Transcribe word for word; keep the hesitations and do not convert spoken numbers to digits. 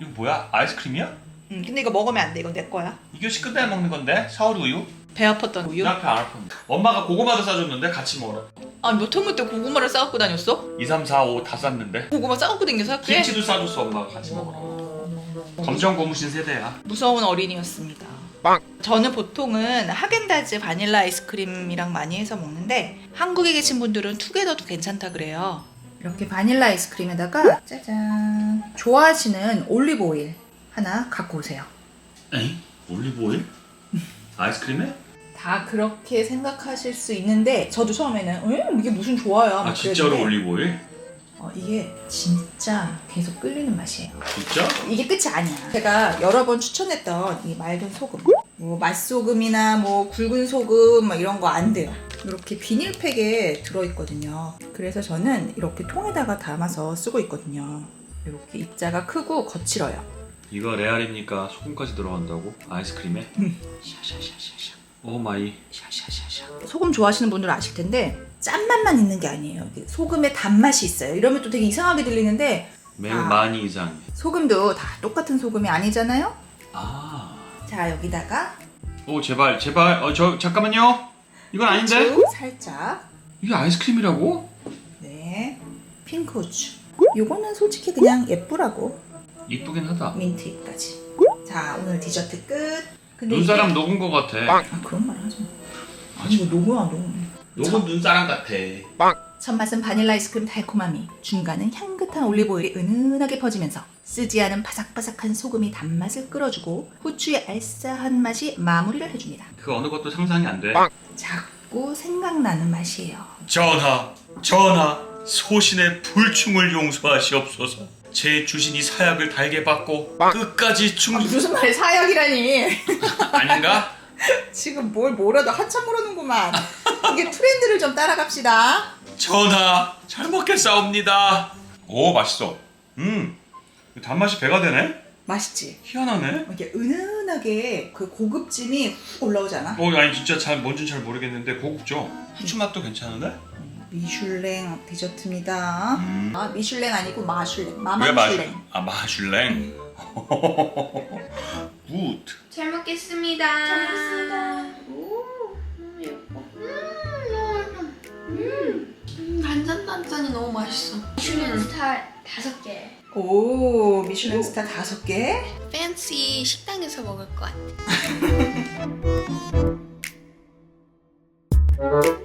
이거 뭐야? 아이스크림이야? 응, 근데 이거 먹으면 안 돼. 이건 내 거야. 이거 끝나야 먹는 건데? 사오리 우유? 배 아팠던 우유? 나 배 안 아픈데. 엄마가 고구마도 싸줬는데 같이 먹으라. 아니 몇 학년 때 고구마를 싸갖고 다녔어? 이, 삼, 사, 오 다 쌌는데. 고구마 싸갖고 댕겨서 학교에? 김치도 싸줬어 엄마가 같이 먹으라. 검정 고무신 세대야. 무서운 어린이였습니다. 빵! 저는 보통은 하겐다즈 바닐라 아이스크림이랑 많이 해서 먹는데 한국에 계신 분들은 투게더도 괜찮다 그래요. 이렇게 바닐라 아이스크림에다가 짜잔 좋아하시는 올리브 오일 하나 갖고 오세요. 에이? 올리브 오일? 아이스크림에? 다 그렇게 생각하실 수 있는데 저도 처음에는 음, 이게 무슨 좋아요? 아 진짜로 올리브 오일? 어, 이게 진짜 계속 끌리는 맛이에요. 진짜? 이게 끝이 아니야. 제가 여러 번 추천했던 이 맑은 소금, 뭐 맛소금이나 뭐 굵은 소금 막 이런 거 안 돼요. 이렇게 비닐팩에 들어있거든요. 그래서 저는 이렇게 통에다가 담아서 쓰고 있거든요. 이렇게 입자가 크고 거칠어요. 이거 레알입니까? 소금까지 들어간다고? 아이스크림에? 음. 샤샤샤샤샤. 오 마이. 샤샤샤샤. 소금 좋아하시는 분들은 아실 텐데 짠맛만 있는 게 아니에요. 소금에 단맛이 있어요. 이러면 또 되게 이상하게 들리는데 매우 아, 많이 이상해. 소금도 다 똑같은 소금이 아니잖아요. 아. 자 여기다가 오 제발 제발. 어 저 잠깐만요. 이건 아닌데? 후추 살짝. 이게 아이스크림이라고? 네. 핑크 후추. 요거는 솔직히 그냥 예쁘라고. 이쁘긴 하다. 민트까지. 자 오늘 디저트 끝. 근데 눈사람 이게... 녹은 거 같아. 아 그런 말 하지 마. 아니 이거 녹아 녹아. 녹은 눈사람 같아. 첫 맛은 바닐라 아이스크림 달콤함이, 중간은 향긋한 올리브 오일이 은은하게 퍼지면서 쓰지 않은 바삭바삭한 소금이 단맛을 끌어주고 후추의 알싸한 맛이 마무리를 해줍니다. 그 어느 것도 상상이 안 돼. 자꾸 생각나는 맛이에요. 전하, 전하, 소신의 불충을 용서하시옵소서. 제 주신 이 사약을 달게 받고 끝까지 충... 아, 무슨 말이 사약이라니. 아닌가? 지금 뭘 뭐라도 한참 모르는구만. 이게 트렌드를 좀 따라갑시다. 전하, 잘 먹겠사옵니다. 오, 맛있어. 음, 단맛이 배가 되네? 맛있지? 희한하네. 이렇게 은은하게 그 고급짐이 훅 올라오잖아. 어, 아니 진짜 잘 뭔진 잘 모르겠는데 고급죠? 후추 맛도 괜찮은데? 미슐랭 디저트입니다. 음. 아 미슐랭 아니고 마슐랭. 왜 마마슐랭. 마슐? 아 마슐랭. 굿. 잘 먹겠습니다. 잘 먹겠습니다. 오, 너무 예뻐. 음, 음, 음, 단짠단짠이 너무 맛있어. 미슐랭 스타 다섯 개. 오 미슐랭 스타 다섯 개. 팬시 식당에서 먹을 것 같아.